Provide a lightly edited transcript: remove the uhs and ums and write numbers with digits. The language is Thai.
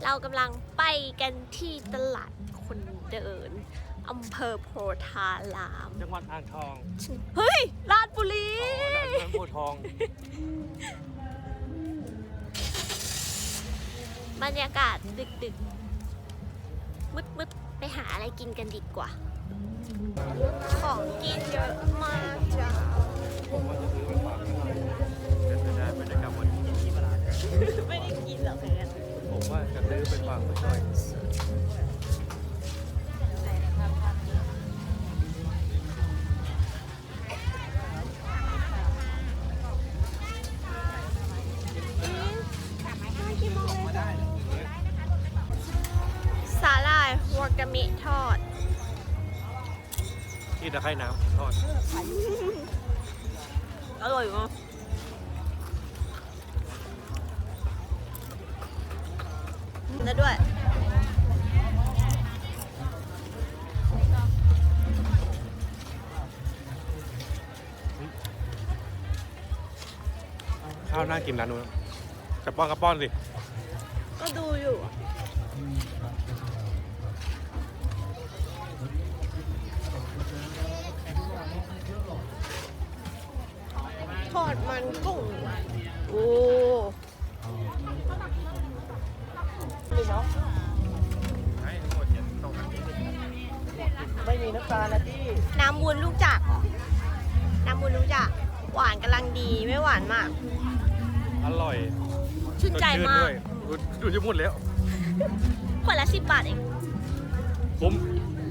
เรากำลังไปกันที่ตลาดคนเดินอำเภอโพธารามจังหวัดอ่างทองเฮ้ยราชบุรีด่านเมืองโพธิ์ทองบรรยากาศดึกๆมืดๆไปหาอะไรกินกันดีกว่า ของกินเยอะมากจ้าผมว่าจะซื้อไปฝากพี่หน่อยแต่จะได้ไม่ได้กลับวันนี้ที่ตลาดกันไม่ได้กินหรอกเพื่อนผมว่าจะซื้อไปฝากพี่หน่อยสาหร่ายวากามิทอดที่ตะไคร่น้ำทอดอร่อยมากแล้วด้วยข้าวน่ากินร้านนู้นจะป้อนกระป้อนสิก็ดูอยู่อะทอดมันกุ้ง โอ้นี่เนาะให้ทั้งหมดเนี่ยตรงนี้ไม่มีน้ำตาลนะพี่น้ำวุ้นลูกจักรน้ำวุ้นลูกจักรหวานกำลังดีไม่หวานมากอร่อยชื่นใจมากด้วยดูจะหมดแล้วขวดละ10 บาทเองคุ้ม